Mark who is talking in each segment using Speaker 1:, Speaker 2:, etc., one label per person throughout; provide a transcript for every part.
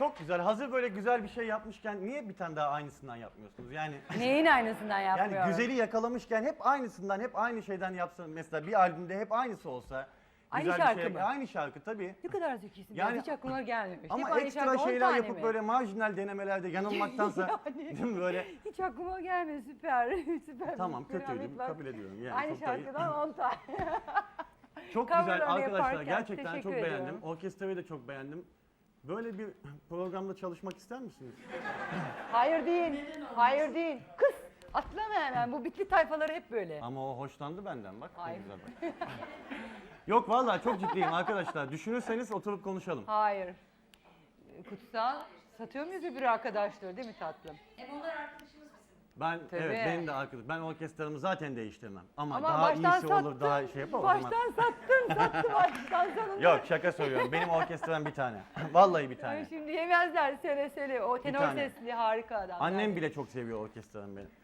Speaker 1: Çok güzel. Hazır böyle güzel bir şey yapmışken niye bir tane daha aynısından yapmıyorsunuz? Yani
Speaker 2: Neyin aynısından yapmıyorum?
Speaker 1: yani güzeli yakalamışken hep aynısından, hep aynı şeyden yapsan mesela bir albümde hep aynısı olsa.
Speaker 2: Aynı
Speaker 1: güzel
Speaker 2: şarkı
Speaker 1: bir şey,
Speaker 2: mı?
Speaker 1: Aynı şarkı tabii.
Speaker 2: Ne kadar zekisin.
Speaker 1: Yani-
Speaker 2: Hiç aklıma gelmemiş.
Speaker 1: Ama
Speaker 2: Hep aynı
Speaker 1: ekstra
Speaker 2: şarkı, 10
Speaker 1: şeyler
Speaker 2: tane
Speaker 1: yapıp
Speaker 2: mi?
Speaker 1: böyle marjinal denemelerde yanılmaktansa
Speaker 2: Yani.
Speaker 1: değil mi böyle?
Speaker 2: Hiç aklıma gelmedi. Süper. Süper.
Speaker 1: Tamam
Speaker 2: Keramet
Speaker 1: kötüydü
Speaker 2: var.
Speaker 1: kabul ediyorum. Yani
Speaker 2: Aynı
Speaker 1: çok da iyi.
Speaker 2: şarkıdan 10 tane.
Speaker 1: Çok
Speaker 2: coverlarını
Speaker 1: güzel arkadaşlar
Speaker 2: yaparken
Speaker 1: gerçekten çok
Speaker 2: teşekkür
Speaker 1: beğendim.
Speaker 2: ediyorum.
Speaker 1: Orkestrayı da çok beğendim. Böyle bir programda çalışmak ister misiniz?
Speaker 2: Hayır değil. Hayır değil. Kız atlama hemen. Bu bitli tayfaları hep böyle.
Speaker 1: Ama o hoşlandı benden bak. ne
Speaker 2: Hayır.
Speaker 1: güzel bak. Yok vallahi çok ciddiyim arkadaşlar. Düşünürseniz oturup konuşalım.
Speaker 2: Hayır. Kutsal satıyor muyuz bir arkadaşları değil mi tatlım?
Speaker 3: Hem onlar arkadaşımız bizim.
Speaker 1: Ben
Speaker 2: Tabii.
Speaker 1: evet benim de arkadaşım. Ben orkestramı zaten değiştirmem. Ama,
Speaker 2: Ama
Speaker 1: daha
Speaker 2: baştan
Speaker 1: iyisi olur, daha şey yapalım.
Speaker 2: Baştan sattın baştan sonunda.
Speaker 1: Yok şaka söylüyorum. Benim orkestram bir tane. Vallahi bir
Speaker 2: Ay,
Speaker 1: tane.
Speaker 2: şimdi yemezler söyle. O tenor
Speaker 1: tane.
Speaker 2: sesli harika adam.
Speaker 1: Annem bile çok seviyor orkestramı benim.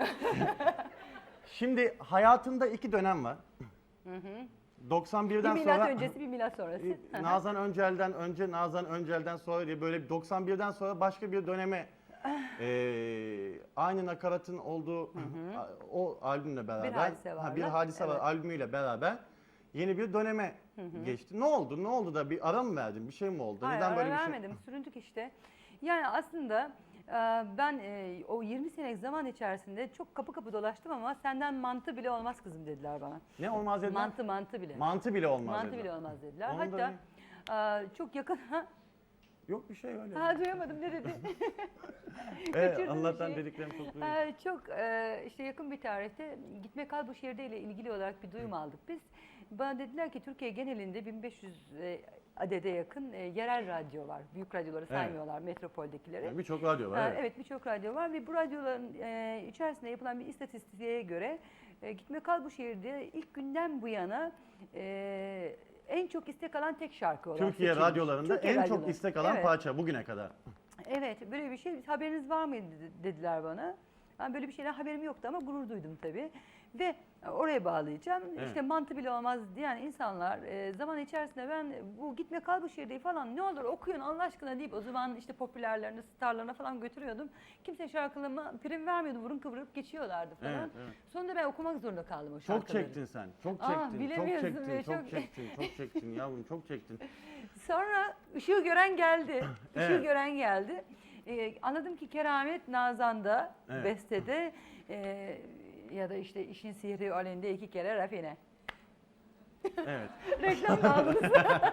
Speaker 1: Şimdi hayatımda iki dönem var. 91'den
Speaker 2: Bir milat
Speaker 1: sonra
Speaker 2: öncesi bir milat sonrası.
Speaker 1: Nazan Öncel'den önce, Nazan Öncel'den sonra diye böyle 91'den sonra başka bir döneme aynı nakaratın olduğu o albümle beraber
Speaker 2: Bir Hadise Var'la,
Speaker 1: bir hadise var
Speaker 2: evet.
Speaker 1: albümüyle beraber yeni bir döneme geçti. Ne oldu? Ne oldu da bir ara mı verdin? Bir şey mi oldu?
Speaker 2: Hayır,
Speaker 1: Neden
Speaker 2: ara
Speaker 1: böyle bir şey?
Speaker 2: vermedim. Süründük işte. Yani aslında ben o 20 senelik zaman içerisinde çok kapı kapı dolaştım ama senden mantı bile olmaz kızım dediler bana.
Speaker 1: Ne olmaz dediler?
Speaker 2: Mantı bile.
Speaker 1: Mantı bile olmaz
Speaker 2: Mantı
Speaker 1: dediler.
Speaker 2: bile olmaz dediler.
Speaker 1: Onu da
Speaker 2: Hatta çok yakın...
Speaker 1: Yok bir şey öyle.
Speaker 2: Duyamadım ne dedi? Kaçırdım bir
Speaker 1: Allah'tan
Speaker 2: şeyi.
Speaker 1: dediklerim çok duyuyorum.
Speaker 2: Çok işte yakın bir tarihte Gitme Kal Bu Şehirde ile ilgili olarak bir duyum aldık biz. Bana dediler ki Türkiye genelinde 1500 adede yakın yerel radyo var. Büyük radyoları saymıyorlar, metropoldekileri.
Speaker 1: Yani birçok radyo var. Evet.
Speaker 2: Evet birçok radyo var ve bu radyoların içerisinde yapılan bir istatistiğe göre Gitme Kal Bu Şehirde ilk günden bu yana en çok istek alan tek şarkı olan
Speaker 1: Türkiye
Speaker 2: seçilmiş.
Speaker 1: radyolarında
Speaker 2: Türkiye
Speaker 1: en
Speaker 2: radyoları.
Speaker 1: çok istek alan
Speaker 2: Evet.
Speaker 1: parça bugüne kadar.
Speaker 2: Evet, böyle bir şey haberiniz var mıydı dediler bana. Ben böyle bir şeyden haberim yoktu ama gurur duydum tabii. Ve oraya bağlayacağım.
Speaker 1: Evet.
Speaker 2: İşte mantı bile olmaz diyen insanlar zaman içerisinde ben bu Gitme Kal Bu Şehirde falan ne olur okuyun Allah aşkına deyip o zaman işte popülerlerine, starlarına falan götürüyordum. Kimse şarkılarıma prim vermiyordu, burun kıvırıp geçiyorlardı falan.
Speaker 1: Evet, evet.
Speaker 2: Sonunda ben okumak zorunda kaldım o
Speaker 1: Çok
Speaker 2: şarkıları.
Speaker 1: çektin sen. Çok
Speaker 2: Aa,
Speaker 1: çektin. Çok
Speaker 2: bilemiyorsun
Speaker 1: çektin.
Speaker 2: be,
Speaker 1: Çok
Speaker 2: çok-
Speaker 1: çektin. Çok çektin yavrum. Çok çektin.
Speaker 2: Sonra ışığı gören geldi. Işığı
Speaker 1: Evet.
Speaker 2: gören geldi. Anladım ki Keramet Nazan'da,
Speaker 1: Evet.
Speaker 2: bestede ya da işte işin sihri alende 2 kere rafine.
Speaker 1: Evet.
Speaker 2: Reklam da aldınız.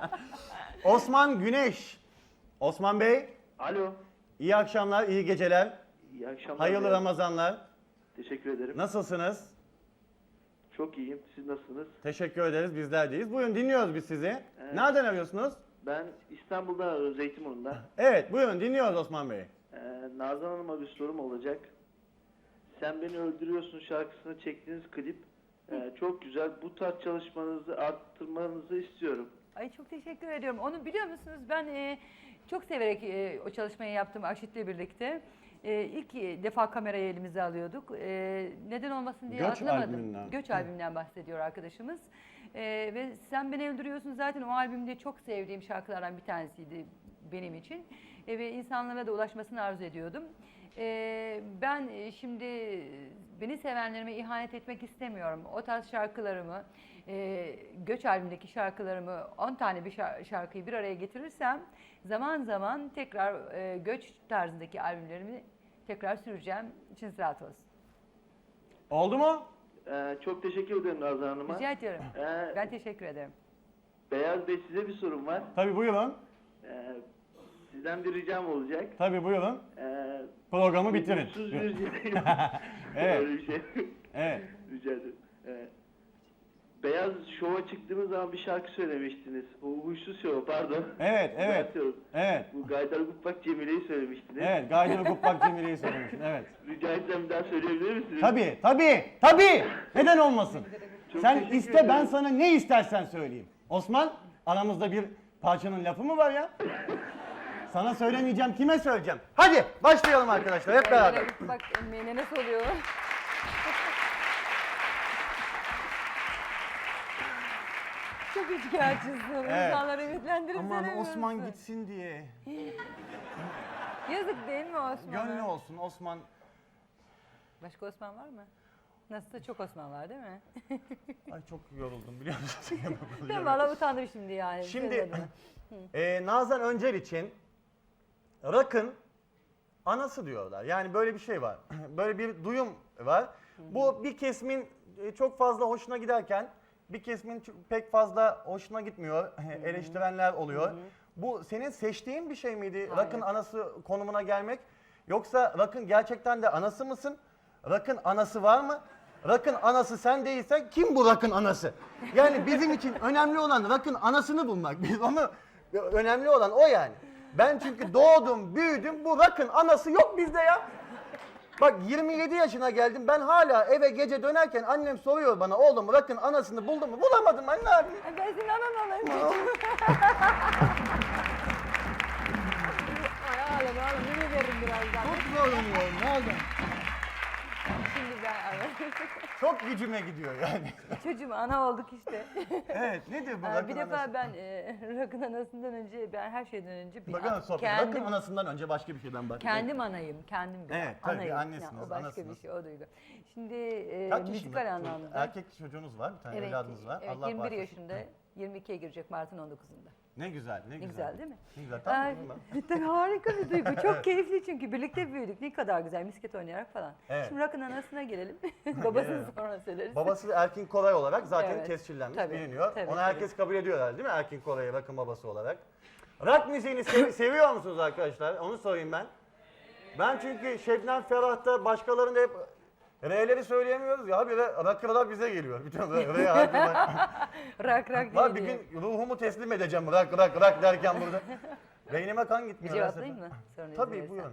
Speaker 1: Osman Güneş. Osman Bey,
Speaker 4: Alo,
Speaker 1: iyi akşamlar, iyi geceler.
Speaker 4: iyi akşamlar.
Speaker 1: Hayırlı Ramazanlar.
Speaker 4: Teşekkür ederim.
Speaker 1: Nasılsınız?
Speaker 4: Çok iyiyim. Siz nasılsınız?
Speaker 1: Teşekkür ederiz, bizler deyiz. Buyurun dinliyoruz biz sizi. Nereden arıyorsunuz?
Speaker 4: Ben İstanbul'dan arıyorum, Zeytinburnu'nda.
Speaker 1: Evet, buyurun dinliyoruz Osman Bey.
Speaker 4: Nazan Hanım'a bir sorum olacak. Sen Beni Öldürüyorsun şarkısını çektiğiniz klip çok güzel. Bu tarz çalışmanızı arttırmanızı istiyorum.
Speaker 2: Ay çok teşekkür ediyorum. Onu biliyor musunuz ben çok severek o çalışmayı yaptım Akşit'le birlikte. İlk defa kamerayı elimize alıyorduk. Neden olmasın diye
Speaker 1: Göç
Speaker 2: atlamadım.
Speaker 1: albümünden.
Speaker 2: Göç albümünden bahsediyor arkadaşımız. Ve Sen Beni Öldürüyorsun zaten o albümde çok sevdiğim şarkılardan bir tanesiydi benim için. Ve insanlara da ulaşmasını arzu ediyordum. Ben şimdi beni sevenlerime ihanet etmek istemiyorum. O tarz şarkılarımı, Göç albümündeki şarkılarımı 10 tane bir şarkıyı bir araya getirirsem zaman zaman tekrar Göç tarzındaki albümlerimi tekrar süreceğim. İçiniz rahat olsun.
Speaker 1: Oldu mu?
Speaker 4: Çok teşekkür ederim Nazan Hanım'a.
Speaker 2: Rica ediyorum. Ben teşekkür ederim.
Speaker 4: Beyaz Bey, size bir sorum var.
Speaker 1: Tabii buyurun.
Speaker 4: Sizden bir ricam olacak.
Speaker 1: Tabii buyurun.
Speaker 4: Ee,
Speaker 1: Programı bitirin.
Speaker 4: Huysuz bir
Speaker 1: Evet.
Speaker 4: Öyle bir şey.
Speaker 1: Evet.
Speaker 4: Rica ederim. Beyaz Şov'a çıktığınız zaman bir şarkı söylemiştiniz. Bu Huysuz Şov, pardon.
Speaker 1: Evet, evet.
Speaker 4: Düzeltiyorum.
Speaker 1: Evet.
Speaker 4: Bu Gaydar Gutbak Cemile'yi söylemiştiniz.
Speaker 1: Evet, Gaydar Kuplak Cemile'yi söylemişsin. Evet.
Speaker 4: Rica etsem bir daha söyleyebilir misiniz?
Speaker 1: Tabii, tabii, tabii. Neden olmasın?
Speaker 4: Çok
Speaker 1: Sen
Speaker 4: teşekkür
Speaker 1: iste, ben
Speaker 4: ederim.
Speaker 1: sana ne istersen söyleyeyim. Osman, aramızda bir parçanın lafı mı var ya? Sana söylemeyeceğim, kime söyleyeceğim? Hadi başlayalım arkadaşlar hep beraber.
Speaker 2: Bak emeğine nasıl oluyor? Çok üçkağıtçısın.
Speaker 1: Evet.
Speaker 2: İnsanları ümitlendirip
Speaker 1: Aman
Speaker 2: sevemiyorsun.
Speaker 1: Osman gitsin diye.
Speaker 2: Yazık değil mi Osman'a?
Speaker 1: Gönlü olsun Osman.
Speaker 2: Başka Osman var mı? Nasılsa çok Osman var değil mi?
Speaker 1: Ay çok yoruldum biliyor musun?
Speaker 2: Ben valla utandım şimdi yani.
Speaker 1: Şimdi
Speaker 2: Söz adına.
Speaker 1: Nazan Öncel için rock'ın anası diyorlar. Yani böyle bir şey var. Böyle bir duyum var. Bu bir kesimin çok fazla hoşuna giderken bir kesimin pek fazla hoşuna gitmiyor. Eleştirenler oluyor. Bu senin seçtiğin bir şey miydi?
Speaker 2: Hayır.
Speaker 1: Rock'ın anası konumuna gelmek. Yoksa rock'ın gerçekten de anası mısın? Rock'ın anası var mı? Rock'ın anası sen değilsen kim bu rock'ın anası? Yani bizim için önemli olan rock'ın anasını bulmak. Biz onu önemli olan o yani. Ben çünkü doğdum, büyüdüm. Bu rock'ın anası yok bizde ya. Bak 27 yaşına geldim. Ben hala eve gece dönerken annem soruyor bana oğlum rock'ın anasını buldun mu? Bulamadım anne abi.
Speaker 2: Ay, ben senin anan olayım. Ay ağlama ne veririm birazdan.
Speaker 1: Çok zorlanıyorum. Ne oldu?
Speaker 2: Şimdi ben
Speaker 1: Çok gücüme gidiyor yani.
Speaker 2: çocuğum ana olduk işte.
Speaker 1: Evet nedir bu
Speaker 2: Bir
Speaker 1: rock'ın
Speaker 2: defa
Speaker 1: anası?
Speaker 2: ben rock'ın anasından önce ben her şeyden önce bir
Speaker 1: Bakın sohbet. Rock'ın anasından önce başka bir şeyden bahsedelim.
Speaker 2: kendim anayım, kendim bir
Speaker 1: Evet, tabii,
Speaker 2: anayım.
Speaker 1: annesiniz,
Speaker 2: Yani o başka
Speaker 1: anasınız.
Speaker 2: bir şey, o duygu. Şimdi
Speaker 1: Kaç
Speaker 2: müzikal
Speaker 1: yaşında?
Speaker 2: anlamda.
Speaker 1: Erkek çocuğunuz var, bir tane evladınız var.
Speaker 2: Evet,
Speaker 1: Allah
Speaker 2: 21
Speaker 1: bağışlasın.
Speaker 2: yaşında, 22'ye girecek Mart'ın 19'unda.
Speaker 1: Ne güzel, ne
Speaker 2: Ne
Speaker 1: güzel.
Speaker 2: güzel değil mi?
Speaker 1: Ne güzel, tamam
Speaker 2: Ay,
Speaker 1: mı ben?
Speaker 2: tabii harika bir duygu. Çok keyifli çünkü birlikte büyüdük. Ne kadar güzel misket oynayarak falan.
Speaker 1: Evet.
Speaker 2: Şimdi rock'ın anasına gelelim. Babasını
Speaker 1: Gelelim.
Speaker 2: sonra söyleriz.
Speaker 1: Babası Erkin Koray olarak zaten
Speaker 2: Evet,
Speaker 1: tescillenmiş,
Speaker 2: tabii,
Speaker 1: biliniyor.
Speaker 2: tabii,
Speaker 1: Onu
Speaker 2: tabii.
Speaker 1: herkes kabul ediyor herhalde değil mi Erkin Koray'ı rock'ın babası olarak? Rock müziğini seviyor musunuz arkadaşlar? Onu sorayım ben. Ben çünkü Şebnem Ferah'ta başkalarında hep R'leri söyleyemiyoruz ya. Bir de rock'lar bize geliyor. Bütün R harfi
Speaker 2: Rock
Speaker 1: var. Bir
Speaker 2: diye.
Speaker 1: gün ruhumu teslim edeceğim rock derken burada. Beynime kan
Speaker 2: Bir
Speaker 1: gitmiyor.
Speaker 2: cevaplayayım mı? Sonra izin
Speaker 1: Tabii
Speaker 2: verirsen.
Speaker 1: buyurun.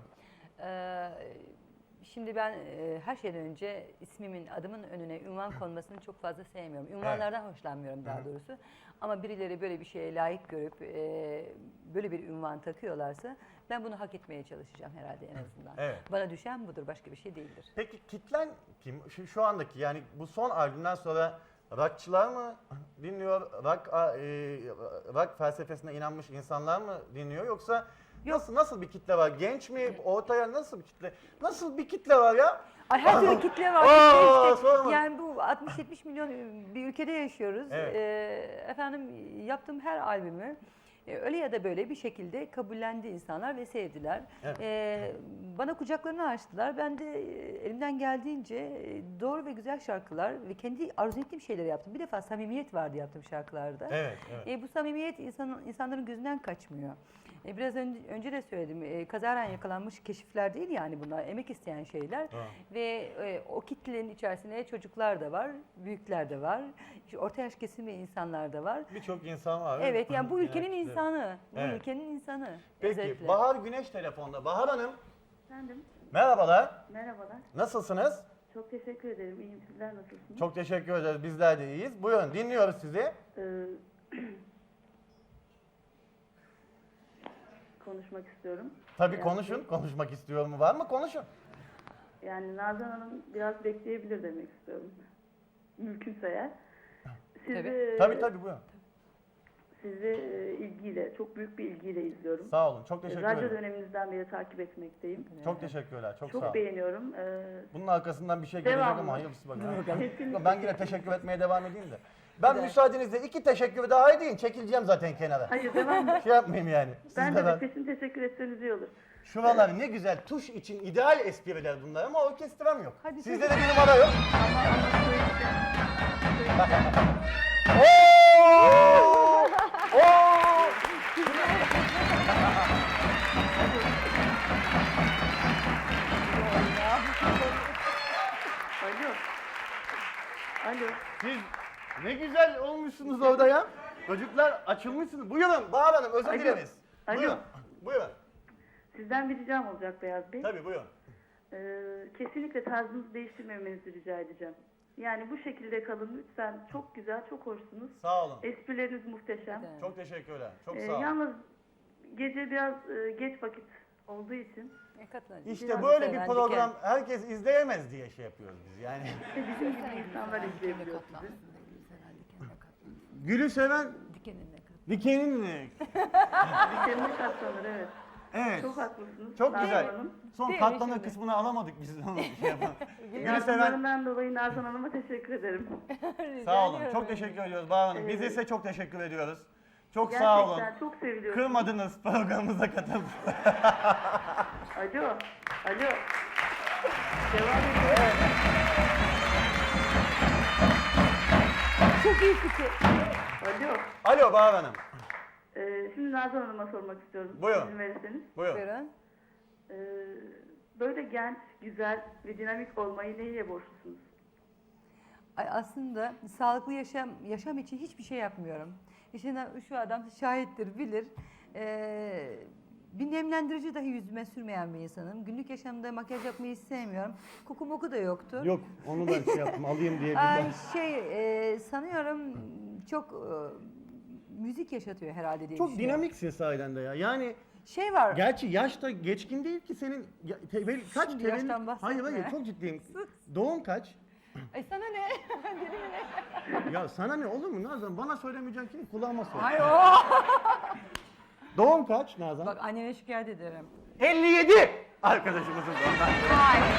Speaker 2: Şimdi ben her şeyden önce ismimin, adımın önüne ünvan konmasını çok fazla sevmiyorum. Ünvanlardan hoşlanmıyorum daha doğrusu. Ama birileri böyle bir şeye layık görüp böyle bir ünvan takıyorlarsa ben bunu hak etmeye çalışacağım herhalde en azından.
Speaker 1: Evet.
Speaker 2: Bana düşen budur, başka bir şey değildir.
Speaker 1: Peki kitlen kim? Şu andaki yani bu son albümden sonra rockçılar mı dinliyor? Rock felsefesine inanmış insanlar mı dinliyor yoksa nasıl bir kitle var? Genç mi? Ortaya nasıl bir kitle? Nasıl bir kitle var ya?
Speaker 2: Ay her türlü kitle var.
Speaker 1: Aa,
Speaker 2: Kitle işte.
Speaker 1: sorma.
Speaker 2: Yani bu 60-70 milyon bir ülkede yaşıyoruz.
Speaker 1: Evet.
Speaker 2: Efendim yaptığım her albümü öyle ya da böyle bir şekilde kabullendi insanlar ve sevdiler.
Speaker 1: Evet.
Speaker 2: Bana kucaklarını açtılar. Ben de elimden geldiğince doğru ve güzel şarkılar ve kendi arzu ettiğim şeyleri yaptım. Bir defa samimiyet vardı yaptığım şarkılarda.
Speaker 1: Evet, evet.
Speaker 2: Bu samimiyet insanların gözünden kaçmıyor. Biraz önce de söyledim. Kazaren yakalanmış keşifler değil yani bunlar. Emek isteyen şeyler. Ve o kitlenin içerisinde çocuklar da var, büyükler de var. İşte orta yaş kesimi insanlar da var.
Speaker 1: Birçok insan var.
Speaker 2: Evet yani bu ülkenin
Speaker 1: Genellikle.
Speaker 2: insanı. Bu
Speaker 1: Evet.
Speaker 2: ülkenin insanı.
Speaker 1: Peki
Speaker 2: özellikle.
Speaker 1: Bahar Güneş telefonda. Bahar Hanım
Speaker 3: Efendim,
Speaker 1: merhabalar.
Speaker 3: merhabalar.
Speaker 1: Nasılsınız?
Speaker 3: Çok teşekkür ederim. İyiyim. Sizler nasılsınız?
Speaker 1: Çok teşekkür ederiz. Bizler de iyiyiz. Buyurun dinliyoruz sizi.
Speaker 3: Ee, konuşmak istiyorum.
Speaker 1: Tabii
Speaker 3: Yani-
Speaker 1: konuşun. Konuşmak istiyor mu? Var mı? Konuşun.
Speaker 3: Yani Nazan Hanım biraz bekleyebilir demek istiyorum. Mümkünse eğer. Sizi,
Speaker 1: Tabii buyurun.
Speaker 3: Sizi ilgiyle, çok büyük bir ilgiyle izliyorum.
Speaker 1: Sağ olun. Çok teşekkür
Speaker 3: Radyo
Speaker 1: ederim.
Speaker 3: döneminizden beri takip etmekteyim.
Speaker 1: Çok teşekkürler. Çok sağ
Speaker 3: Çok
Speaker 1: olun.
Speaker 3: beğeniyorum.
Speaker 1: Bunun arkasından bir şey gelecek
Speaker 3: Devamlı.
Speaker 1: ama hayırlısı bakalım.
Speaker 3: Kesinlikle.
Speaker 1: Ben yine teşekkür etmeye devam edeyim de. Ben müsaadenizle 2 teşekkür daha edeyim. Çekileceğim zaten kenara.
Speaker 3: Hayır, devam.
Speaker 1: Şey yapmayayım yani.
Speaker 3: Ben de
Speaker 1: ben.
Speaker 3: peşin teşekkür etseniz iyi olur.
Speaker 1: Şuralar ne güzel tuş için ideal espriler bunlar ama orkestram yok.
Speaker 2: Hadi
Speaker 1: Sizde de bir numara yok. Oo! Oo!
Speaker 3: Alo. Alo.
Speaker 1: Siz ne güzel olmuşsunuz orada ya. Çocuklar açılmışsınız. Buyurun Bahar Hanım özür
Speaker 3: Alo.
Speaker 1: dileriz.
Speaker 3: Alo.
Speaker 1: Buyurun. Buyurun.
Speaker 3: Sizden bir ricam olacak Beyaz Bey.
Speaker 1: Tabii buyurun.
Speaker 3: Kesinlikle tarzınızı değiştirmemenizi rica edeceğim. Yani bu şekilde kalın lütfen. Çok güzel, çok hoşsunuz.
Speaker 1: Sağ olun.
Speaker 3: Esprileriniz muhteşem.
Speaker 2: Evet.
Speaker 1: Çok teşekkürler. Çok sağ olun.
Speaker 3: Yalnız gece biraz geç vakit olduğu için
Speaker 2: Ne katlanacak?
Speaker 1: İşte
Speaker 3: biraz
Speaker 1: böyle bir
Speaker 2: seven,
Speaker 1: program herkes izleyemez diye şey yapıyoruz biz yani.
Speaker 3: işte bizim gibi insanlar izleyebiliyor sizi.
Speaker 1: Gülü seven
Speaker 2: Dikenine kadar.
Speaker 1: dikenini.
Speaker 3: Dikenine katlanır, evet.
Speaker 1: Evet.
Speaker 3: Çok haklısınız.
Speaker 1: Çok
Speaker 3: Nazan
Speaker 1: güzel.
Speaker 3: Hanım.
Speaker 1: Son
Speaker 2: Değil mi
Speaker 1: katlanır
Speaker 2: şimdi?
Speaker 1: kısmını alamadık biz. Onu şey yapalım. Gülü seven
Speaker 3: Yardımlarından dolayı Nazan Hanım'a teşekkür ederim.
Speaker 2: Rica
Speaker 1: sağ olun.
Speaker 2: ediyorum
Speaker 1: Çok
Speaker 2: efendim.
Speaker 1: teşekkür ediyoruz Bahar Hanım. Biz de
Speaker 3: Evet.
Speaker 1: size çok teşekkür ediyoruz. Çok
Speaker 3: Gerçekten
Speaker 1: sağ olun.
Speaker 3: çok seviliyorum.
Speaker 1: Kırmadınız, programımıza katıldınız.
Speaker 3: Alo. Alo. Devam ediyor.
Speaker 2: Çok iyi fikir.
Speaker 3: Alo.
Speaker 1: Alo Bahar Hanım.
Speaker 3: Şimdi Nazan Hanım'a sormak istiyorum.
Speaker 1: Buyurun.
Speaker 3: İzin verirseniz.
Speaker 1: Buyurun.
Speaker 2: Buyurun.
Speaker 3: Böyle genç, güzel ve dinamik olmayı neyle borçlusunuz?
Speaker 2: Ay, aslında sağlıklı yaşam için hiçbir şey yapmıyorum. İşte şu adam şahittir, bilir. Bir nemlendirici dahi yüzüme sürmeyen bir insanım. Günlük yaşamda makyaj yapmayı hiç sevmiyorum. Koku moku da yoktu.
Speaker 1: Yok, onu ben şey yaptım, alayım diye.
Speaker 2: Ay, sanıyorum çok müzik yaşatıyor herhalde diye
Speaker 1: Çok
Speaker 2: düşünüyorum.
Speaker 1: dinamiksin sahiden de ya. Yani
Speaker 2: Şey var.
Speaker 1: gerçi yaş da geçkin değil ki senin. Kaç
Speaker 2: Şimdi
Speaker 1: tevellüt?
Speaker 2: yaştan bahsetme.
Speaker 1: Hayır çok ciddiyim. Doğum kaç?
Speaker 2: Ay sana ne?
Speaker 1: Ya sana ne olur mu Nazan? Bana söylemeyeceksin ki kulağıma söyle.
Speaker 2: Ay o.
Speaker 1: Doğum kaç Nazan?
Speaker 2: Bak annene şikayet ederim.
Speaker 1: 57! Arkadaşımızın doğumdan.
Speaker 2: Hayır.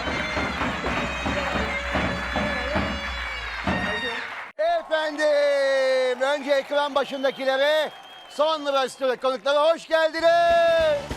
Speaker 5: Efendim, önce ekran başındakilere, sonra stüdyo konuklara hoş geldiniz.